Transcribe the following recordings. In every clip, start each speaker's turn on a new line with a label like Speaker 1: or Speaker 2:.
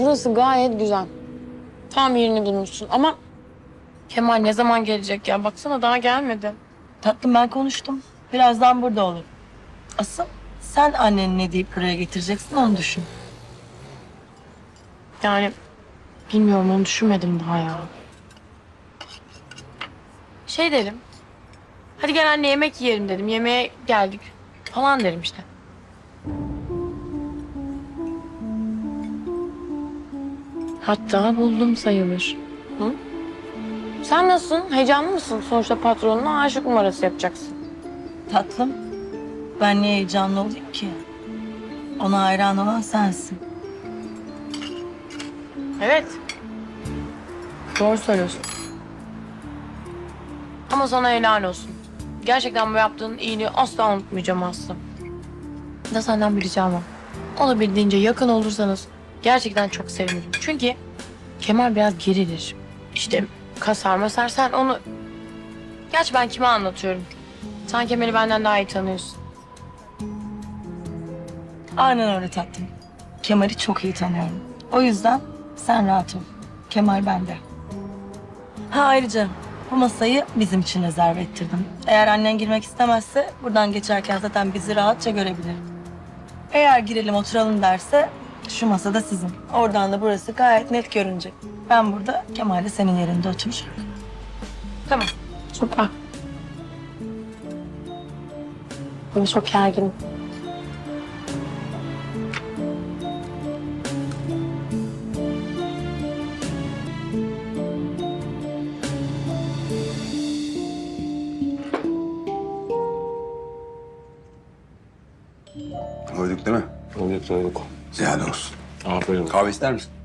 Speaker 1: burası gayet güzel. Tam yerini bulmuşsun ama Kemal ne zaman gelecek ya? Baksana daha gelmedi.
Speaker 2: Tatlım ben konuştum. Birazdan burada olur. Asıl sen anneni ne deyip buraya getireceksin onu düşün.
Speaker 1: Yani bilmiyorum, onu düşünmedim daha ya. Şey derim. Hadi gel anne yemek yiyelim dedim. Yemeğe geldik falan derim işte. Hatta buldum sayılır. Hı? Sen nasılsın? Heyecanlı mısın? Sonuçta patronuna aşık numarası yapacaksın.
Speaker 2: Tatlım ben niye heyecanlı olayım ki? Ona hayran olan sensin.
Speaker 1: Evet. Doğru söylüyorsun. Ama sana helal olsun. Gerçekten bu yaptığın iyiliği asla unutmayacağım Aslı. Da senden bir ricam var. Olabildiğince yakın olursanız gerçekten çok sevinirim. Çünkü Kemal biraz gerilir. İşte kasar masar, sen onu... Gerçi ben kime anlatıyorum? Sen Kemal'i benden daha iyi tanıyorsun.
Speaker 2: Aynen öyle tatlım. Kemal'i çok iyi tanıyorum. O yüzden sen rahat ol. Kemal bende. Ha ayrıca bu masayı bizim için rezerve ettirdim. Eğer annen girmek istemezse buradan geçerken zaten bizi rahatça görebilir. Eğer girelim oturalım derse şu masada sizin. Oradan da burası gayet net görünecek. Ben burada, Kemal de senin yerinde oturacak.
Speaker 1: Tamam. Süper. Ben çok gerginim.
Speaker 3: Doyduk değil mi?
Speaker 4: Doyduk.
Speaker 3: Ziyade olsun.
Speaker 4: Aferin olsun.
Speaker 3: Kahve ister misin?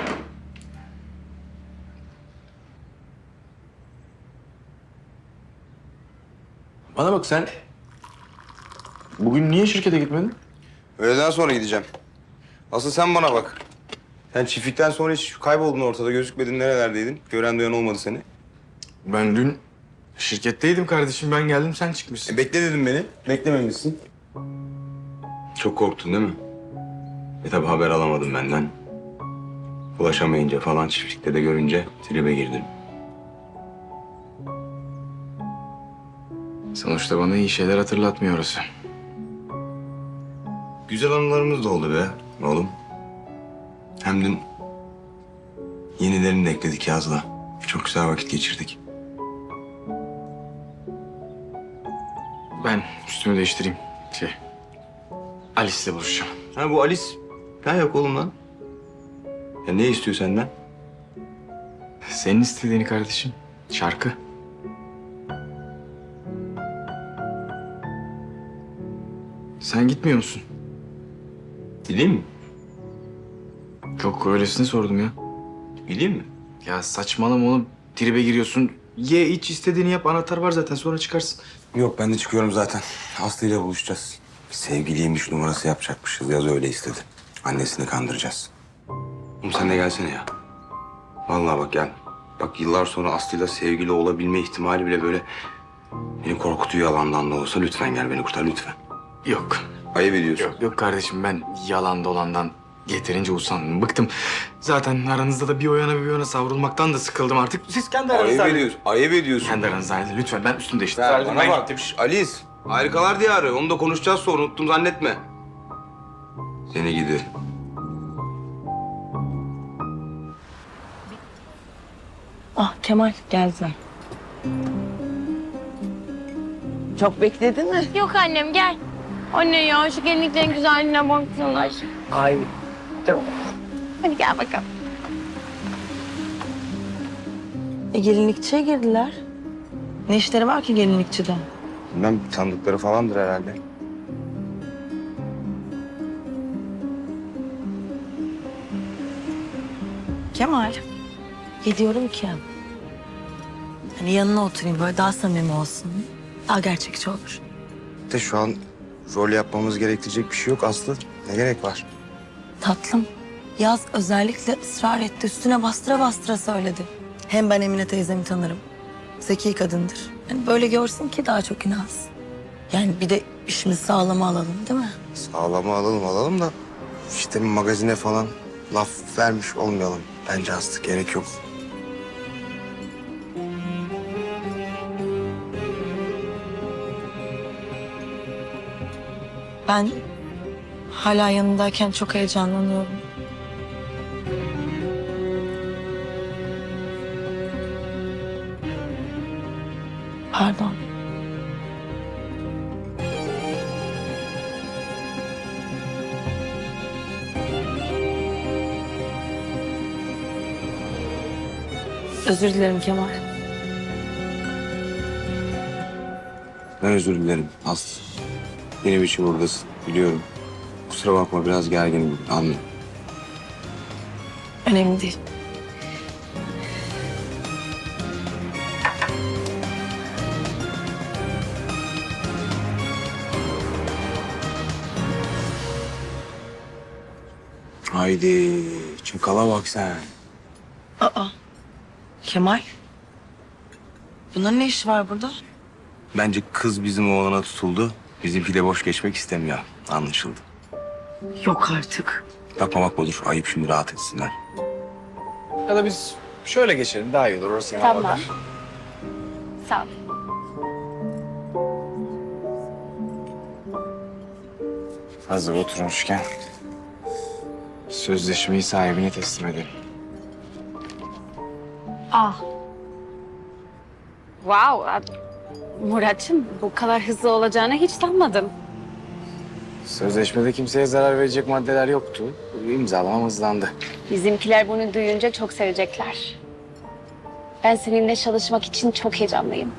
Speaker 4: Bana bak sen... Bugün niye şirkete gitmedin?
Speaker 3: Öğleden sonra gideceğim. Asıl sen bana bak. Sen çiftlikten sonra hiç kayboldun ortada, gözükmedin, nerelerdeydin? Gören duyan olmadı seni.
Speaker 4: Ben dün şirketteydim kardeşim. Ben geldim sen çıkmışsın.
Speaker 3: Bekle dedim beni. Beklememişsin. Çok korktun değil mi? Tabii haber alamadım benden. Ulaşamayınca falan çiftlikte de görünce tribe girdim.
Speaker 4: Sonuçta bana iyi şeyler hatırlatmıyor orası.
Speaker 3: Güzel anılarımız da oldu be oğlum. Hem dün yenilerini de ekledik Yaz'la. Çok güzel vakit geçirdik.
Speaker 4: Ben üstümü değiştireyim. Alice'le buluşacağım.
Speaker 3: Ha bu Alice. Ne yok oğlum lan? Ya ne istiyor senden?
Speaker 4: Senin istediğini kardeşim. Şarkı. Sen gitmiyor musun?
Speaker 3: Gideyim mi?
Speaker 4: Yok öylesine sordum ya.
Speaker 3: Gideyim mi?
Speaker 4: Ya saçmalama oğlum. Tribe giriyorsun. Ye iç istediğini yap. Anahtar var zaten sonra çıkarsın.
Speaker 3: Yok ben de çıkıyorum zaten. Aslı ile buluşacağız. Sevgiliymiş numarası yapacakmışız. Yaz öyle istedi. Annesini kandıracağız. Oğlum sen de gelsene ya. Vallahi bak gel. Bak yıllar sonra Aslı'yla sevgili olabilme ihtimali bile böyle beni korkutuyor, yalandan da olsa. Lütfen gel beni kurtar lütfen.
Speaker 4: Yok.
Speaker 3: Ayıp ediyorsun.
Speaker 4: Yok kardeşim ben yalan dolandan yeterince usandım. Bıktım. Zaten aranızda da bir o yana bir o yana savrulmaktan da sıkıldım artık. Siz kendi aranızda
Speaker 3: Ayıp
Speaker 4: halledin.
Speaker 3: ediyorsun. Ayıp ediyorsun.
Speaker 4: Kendi aranızda halledin. Lütfen ben üstümde işte.
Speaker 3: Sen bana
Speaker 4: Ben
Speaker 3: bak.
Speaker 4: gittim.
Speaker 3: Şş, Alice. Harikalar diyarı. Onu da konuşacağız sonra. Unuttum zannetme. Seni gidi.
Speaker 2: Ah Kemal geldiler. Çok bekledin mi?
Speaker 1: Yok annem gel. Anne ya şu gelinliklerin güzelliğine baksana.
Speaker 2: Ay.
Speaker 1: Hadi gel bakalım.
Speaker 2: Gelinlikçiye girdiler. Ne işleri var ki gelinlikçide?
Speaker 3: Bilmem tanıdıkları falandır herhalde.
Speaker 2: Kemal. Gidiyorum ki. Hani yanına oturayım böyle daha samimi olsun. Daha gerçekçi olur.
Speaker 3: De şu an rol yapmamız gerektirecek bir şey yok Aslı. Ne gerek var?
Speaker 2: Tatlım. Yaz özellikle ısrar etti. Üstüne bastıra bastıra söyledi. Hem ben Emine teyzemi tanırım. Zeki kadındır. Yani böyle görsün ki daha çok inansın. Yani bir de işimizi sağlama alalım değil mi?
Speaker 3: Sağlama alalım da işte magazine falan laf vermiş olmayalım. Bence Aslı gerek yok.
Speaker 2: Ben hala yanındayken çok heyecanlanıyorum. Pardon. Özür dilerim Kemal.
Speaker 3: Ben özür dilerim Aslı. Benim için buradasın biliyorum. Kusura bakma biraz gerginim. Anla.
Speaker 2: Önemli değil.
Speaker 3: Haydi çakala bak sen.
Speaker 2: Aa. Kemal. Bunların ne işi var burada?
Speaker 3: Bence kız bizim oğlana tutuldu. Bizimki de boş geçmek istemiyor. Anlaşıldı.
Speaker 2: Yok artık.
Speaker 3: Bakma bakma dur. Ayıp şimdi rahat etsinler.
Speaker 4: Ya da biz şöyle geçelim daha iyi olur. Orası
Speaker 1: Tamam. Sağ ol.
Speaker 4: Hazır oturmuşken sözleşmeyi sahibine teslim edelim.
Speaker 5: Ah. Wow. Murat'cığım bu kadar hızlı olacağını hiç sanmadım.
Speaker 4: Sözleşmede kimseye zarar verecek maddeler yoktu. İmzalamam hızlandı.
Speaker 5: Bizimkiler bunu duyunca çok sevecekler. Ben seninle çalışmak için çok heyecanlıyım.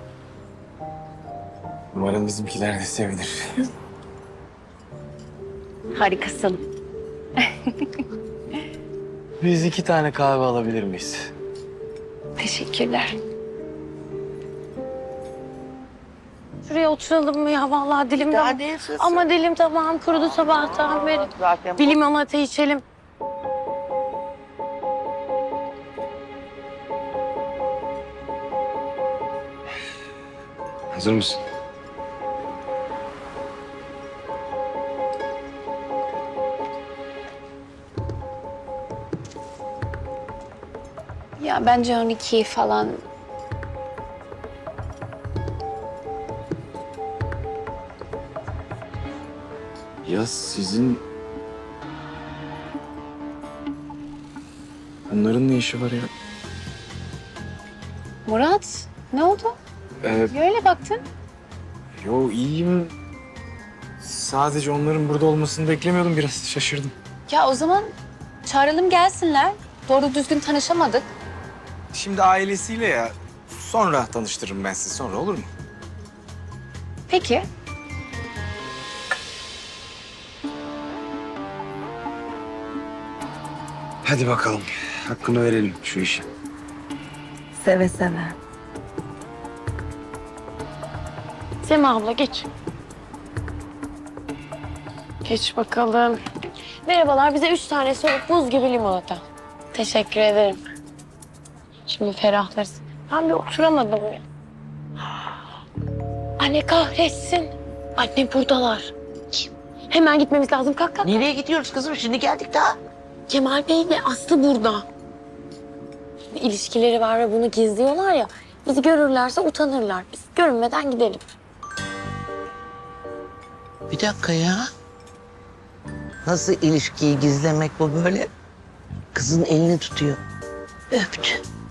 Speaker 4: Umarım bizimkiler de sevinir.
Speaker 5: Harikasın.
Speaker 4: Biz 2 tane kahve alabilir miyiz?
Speaker 5: Teşekkürler. Şuraya oturalım mı ya? Vallahi dilim de... Ama dilim tamam kurudu sabahtan beri. Bir limonata içelim.
Speaker 3: Hazır mısın?
Speaker 5: Ya bence 12 falan.
Speaker 4: Ya sizin... Bunların ne işi var ya?
Speaker 5: Murat ne oldu? Öyle baktın.
Speaker 4: Yo iyiyim. Sadece onların burada olmasını beklemiyordum. Biraz şaşırdım.
Speaker 5: Ya o zaman çağıralım gelsinler. Doğru düzgün tanışamadık.
Speaker 4: Şimdi ailesiyle ya. Sonra tanıştırırım ben sizi. Sonra olur mu?
Speaker 5: Peki.
Speaker 3: Hadi bakalım. Hakkını verelim şu işi.
Speaker 2: Seve seve.
Speaker 1: Sema abla geç. Geç bakalım. Merhabalar, bize 3 tane soğuk buz gibi limonata. Teşekkür ederim. Şimdi ferahlarız. Ben bir oturamadım ya. Anne kahretsin. Anne buradalar. Hemen gitmemiz lazım. Kalk kalk.
Speaker 6: Nereye gidiyoruz kızım? Şimdi geldik daha.
Speaker 1: Kemal Bey ile Aslı burada. Bir ilişkileri var ve bunu gizliyorlar ya. Bizi görürlerse utanırlar. Biz görünmeden gidelim.
Speaker 6: Bir dakika ya. Nasıl ilişkiyi gizlemek bu böyle? Kızın elini tutuyor. Öptü.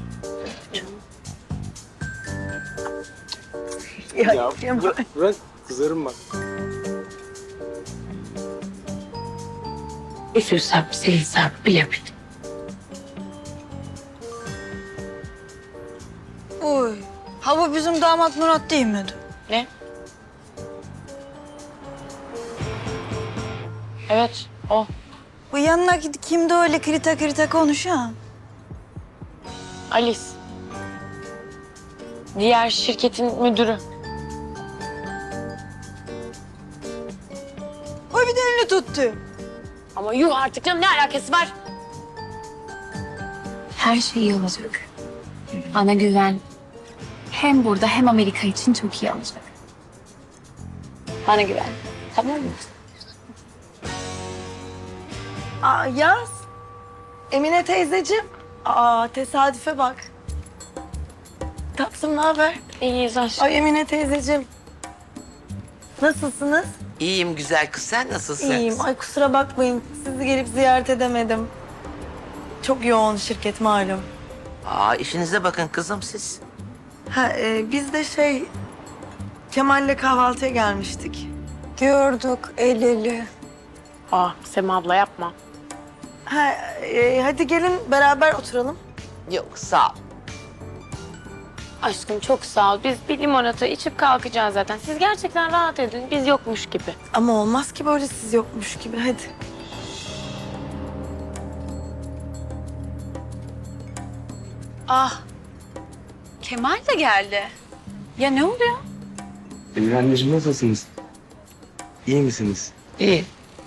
Speaker 4: Bırak kızarım bak.
Speaker 1: Üzülsem, sevinsem bilemedim.
Speaker 2: Oy. Ha bu bizim damat Murat değil miydi?
Speaker 1: Ne? Evet, o.
Speaker 2: Bu yanındaki kimdi öyle krita krita konuşan?
Speaker 1: Alice. Diğer şirketin müdürü.
Speaker 2: O bir de elini tuttu.
Speaker 1: Ama yuh artık canım, ne alakası var?
Speaker 5: Her şey iyi olacak. Bana güven. Hem burada hem Amerika için çok iyi olacak. Bana güven. Tamam mı?
Speaker 2: Aa Yaz. Emine teyzeciğim. Aa, tesadüfe bak. Tatlım, ne haber?
Speaker 1: İyiyiz aşkım.
Speaker 2: Ay Emine teyzeciğim. Nasılsınız?
Speaker 6: İyiyim güzel kız, sen nasılsın?
Speaker 2: İyiyim. Ay kusura bakmayın. Sizi gelip ziyaret edemedim. Çok yoğun şirket malum.
Speaker 6: Aa, işinize bakın kızım siz.
Speaker 2: Biz de Kemal'le kahvaltıya gelmiştik.
Speaker 5: Gördük el ele.
Speaker 1: Ah Sema abla yapma.
Speaker 2: Hadi gelin beraber oturalım.
Speaker 6: Yok sağ ol.
Speaker 1: Aşkım çok sağ ol. Biz bir limonata içip kalkacağız zaten. Siz gerçekten rahat edin. Biz yokmuş gibi.
Speaker 2: Ama olmaz ki böyle siz yokmuş gibi. Hadi.
Speaker 5: Ah. Kemal de geldi. Ya ne oluyor?
Speaker 4: Emine anneciğim nasılsınız? İyi misiniz?
Speaker 6: İyi.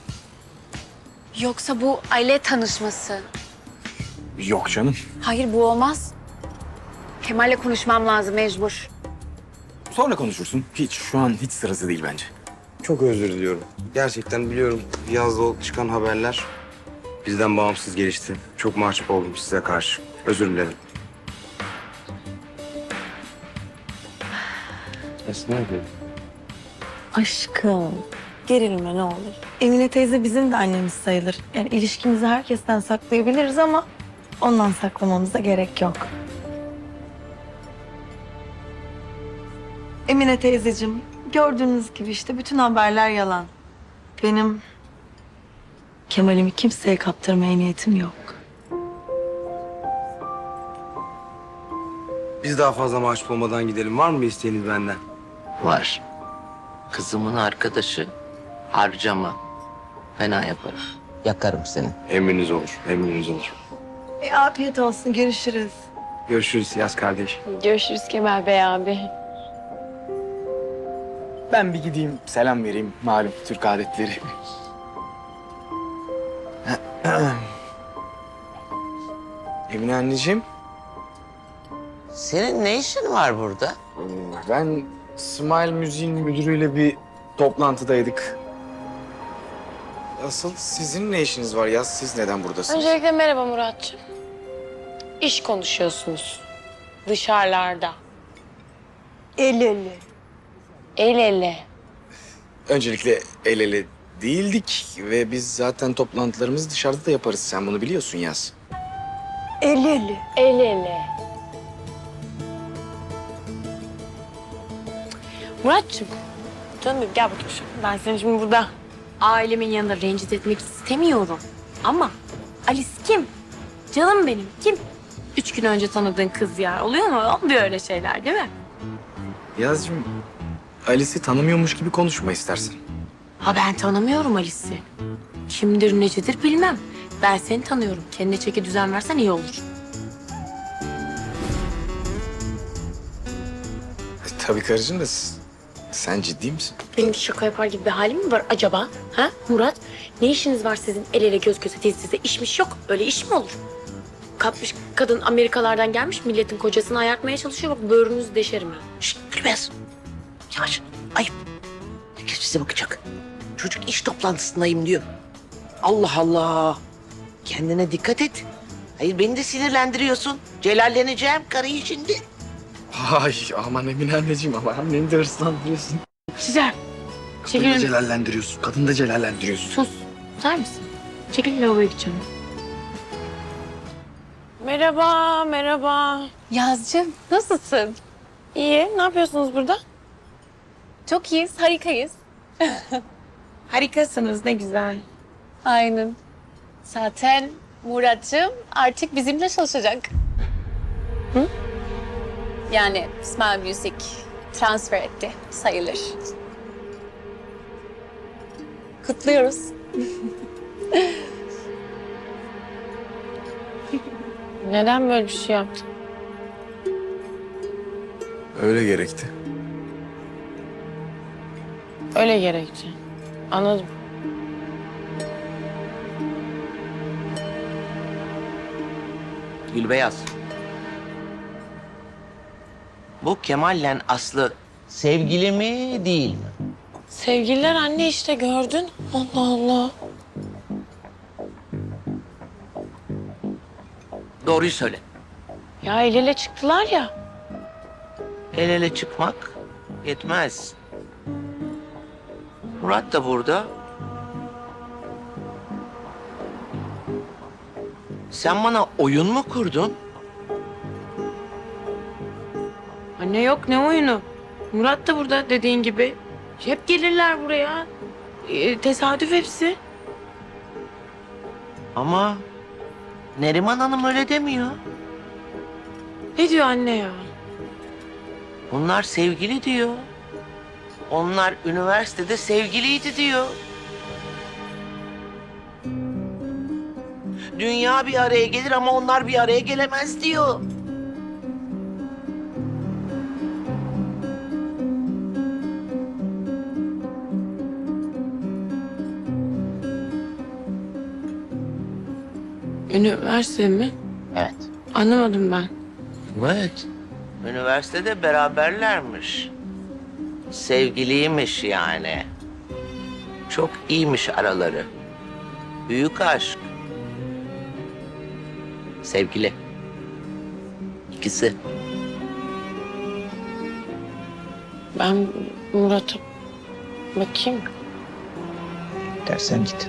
Speaker 5: Yoksa bu aile tanışması.
Speaker 4: Yok canım.
Speaker 5: Hayır bu olmaz. Kemal'le konuşmam lazım mecbur.
Speaker 4: Sonra konuşursun. Şu an hiç sırası değil bence.
Speaker 3: Çok özür diliyorum. Gerçekten biliyorum yazda o çıkan haberler bizden bağımsız gelişti. Çok mahcup oldum size karşı. Özür dilerim. Esma abi.
Speaker 2: Aşkım. Gerilme ne olur. Emine teyze bizim de annemiz sayılır. Yani ilişkimizi herkesten saklayabiliriz ama ondan saklamamıza gerek yok. Emine teyzeciğim, gördüğünüz gibi işte bütün haberler yalan. Benim Kemal'imi kimseye kaptırmaya niyetim yok.
Speaker 3: Biz daha fazla mahcup olmadan gidelim. Var mı bir isteğiniz benden?
Speaker 6: Var. Kızımın arkadaşı harcama. Fena yaparım. Yakarım seni.
Speaker 3: Emriniz olur. Emriniz olur.
Speaker 2: Afiyet olsun, görüşürüz.
Speaker 3: Görüşürüz Yaz kardeş.
Speaker 1: Görüşürüz Kemal Bey abi.
Speaker 4: Ben bir gideyim selam vereyim. Malum Türk adetleri. Emine anneciğim.
Speaker 6: Senin ne işin var burada?
Speaker 4: Ben Smile Müziğin müdürüyle bir toplantıdaydık. Asıl sizin ne işiniz var ya? Siz neden buradasınız?
Speaker 1: Öncelikle merhaba Muratcığım. İş konuşuyorsunuz. Dışarılarda.
Speaker 2: El ele.
Speaker 1: El ele.
Speaker 4: Öncelikle el ele değildik ve biz zaten toplantılarımızı dışarıda da yaparız. Sen bunu biliyorsun Yaz.
Speaker 2: El ele.
Speaker 1: El ele. Muratcığım. Canım benim gel bakayım şuraya. Ben seni şimdi burada ailemin yanında rencide etmek istemiyorum. Ama Alice kim? Canım benim kim? 3 gün önce tanıdığın kız ya. Oluyor mu? Olmuyor öyle şeyler değil mi?
Speaker 4: Yazcığım, Alice'i tanımıyormuş gibi konuşma istersen.
Speaker 1: Ha ben tanımıyorum Alice'i. Kimdir necedir bilmem. Ben seni tanıyorum. Kendine çeki düzen versen iyi olur.
Speaker 4: Tabii karıcığım da sen ciddi misin?
Speaker 1: Benim de şaka yapar gibi bir halim mi var acaba? Ha Murat? Ne işiniz var sizin el ele göz göze diz dize? İşmiş yok. Öyle iş mi olur? Kapmış kadın Amerikalardan gelmiş milletin kocasını ayartmaya çalışıyor. Bak böğrünüzü deşerim ya.
Speaker 6: Şşt Gülbez. Yavaş. Ayıp. Herkes bize bakacak. Çocuk iş toplantısındayım diyor. Allah Allah. Kendine dikkat et. Hayır beni de sinirlendiriyorsun. Celalleneceğim karıyı şimdi.
Speaker 4: Ay aman Emine anneciğim ama anneni de hırslandırıyorsun.
Speaker 1: Güzel.
Speaker 4: Kadını da
Speaker 1: Çekilin.
Speaker 4: celallendiriyorsun. Kadını da celallendiriyorsun.
Speaker 1: Sus. Tutar mısın? Çekil lavaboya gideceğim. Merhaba, merhaba.
Speaker 5: Yazcığım nasılsın?
Speaker 1: İyi, ne yapıyorsunuz burada?
Speaker 5: Çok iyiyiz, harikayız.
Speaker 1: Harikasınız, ne güzel.
Speaker 5: Aynen. Zaten Murat'cığım artık bizimle çalışacak. Hı? Yani Smile Music transfer etti sayılır. Kutluyoruz.
Speaker 1: Neden böyle bir şey yaptın?
Speaker 4: Öyle gerekti.
Speaker 1: Öyle gerekti. Anladım.
Speaker 6: Gülbeyaz. Bu Kemal'le Aslı sevgili mi değil mi?
Speaker 1: Sevgililer anne işte gördün. Allah Allah.
Speaker 6: Doğruyu söyle.
Speaker 1: Ya el ele çıktılar ya.
Speaker 6: El ele çıkmak yetmez. Murat da burada. Sen bana oyun mu kurdun?
Speaker 1: Anne yok ne oyunu? Murat da burada dediğin gibi. Hep gelirler buraya. Tesadüf hepsi.
Speaker 6: Ama Neriman Hanım öyle demiyor.
Speaker 1: Ne diyor anne ya?
Speaker 6: Bunlar sevgili diyor. Onlar üniversitede sevgiliydi diyor. Dünya bir araya gelir ama onlar bir araya gelemez diyor.
Speaker 1: Üniversite mi?
Speaker 6: Evet.
Speaker 1: Anlamadım ben.
Speaker 6: Evet. Üniversitede beraberlermiş. Sevgiliymiş yani. Çok iyiymiş araları. Büyük aşk. Sevgili. İkisi.
Speaker 1: Ben Murat'a bakayım.
Speaker 6: Dersen git.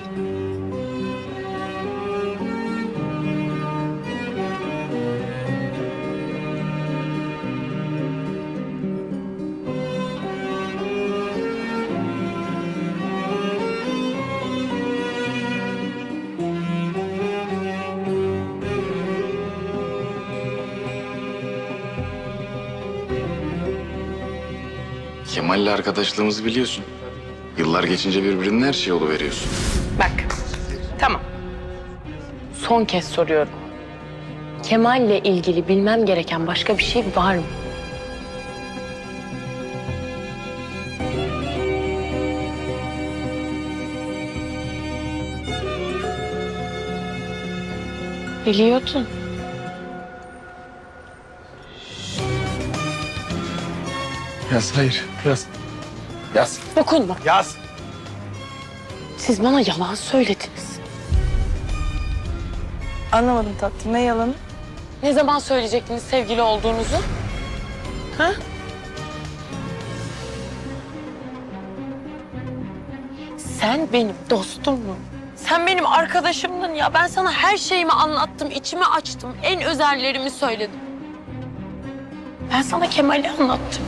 Speaker 4: Kemal'le arkadaşlığımızı biliyorsun. Yıllar geçince birbirinin her şeyi oluveriyorsun.
Speaker 1: Bak. Tamam. Son kez soruyorum. Kemal'le ilgili bilmem gereken başka bir şey var mı? Biliyordun.
Speaker 4: Yaz, hayır. Yaz. Yaz.
Speaker 1: Dokunma.
Speaker 4: Yaz.
Speaker 1: Siz bana yalan söylediniz.
Speaker 2: Anlamadım tatlım. Ne yalanı?
Speaker 1: Ne zaman söyleyecektiniz sevgili olduğunuzu? Ha? Sen benim dostumdun. Sen benim arkadaşımdın ya. Ben sana her şeyimi anlattım, içimi açtım. En özellerimi söyledim. Ben sana Kemal'i anlattım.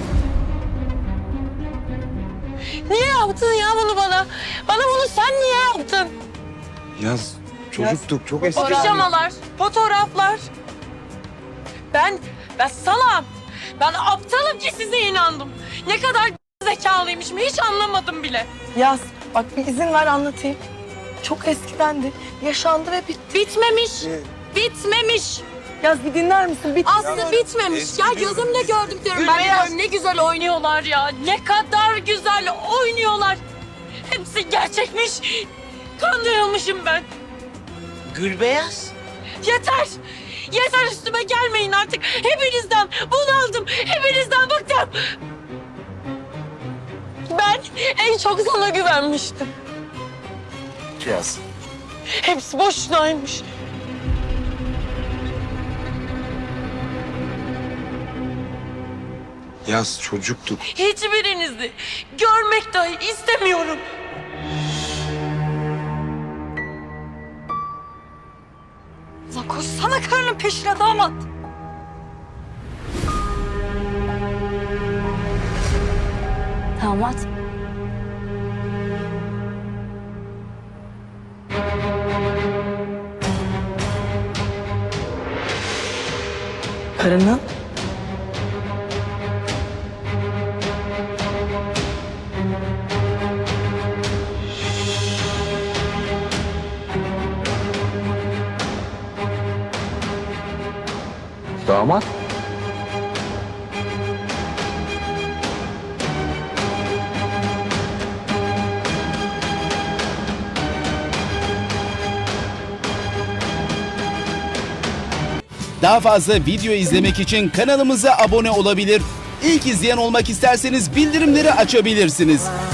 Speaker 1: Niye yaptın ya bunu bana? Bana bunu sen niye yaptın?
Speaker 3: Yaz çocuktuk çok eski.
Speaker 1: O pijamalar, fotoğraflar. Ben salam. Ben aptalım ki size inandım. Ne kadar zekalıymışım hiç anlamadım bile.
Speaker 2: Yaz. Bak bir izin ver anlatayım. Çok eskidendi. Yaşandı ve bitti.
Speaker 1: Bitmemiş. Bitmemiş.
Speaker 2: Yaz bir dinler misin? Bitti.
Speaker 1: Aslı bitmemiş. Ya gözümle gördüm diyorum. Ben diyorum ne güzel oynuyorlar ya. Ne kadar güzel oynuyorlar. Hepsi gerçekmiş. Kandırılmışım ben.
Speaker 6: Gülbeyaz.
Speaker 1: Yeter. Yeter üstüme gelmeyin artık. Hepinizden bunaldım. Hepinizden bıktım. Ben en çok sana güvenmiştim.
Speaker 6: Yaz.
Speaker 1: Hepsi boşunaymış.
Speaker 3: Yaz çocuktuk.
Speaker 1: Hiçbirinizi görmek dahi istemiyorum.
Speaker 2: Lan koşsana karının peşine damat.
Speaker 5: Damat.
Speaker 2: Karının?
Speaker 3: Damat.
Speaker 7: Daha fazla video izlemek için kanalımıza abone olabilir. İlk izleyen olmak isterseniz bildirimleri açabilirsiniz.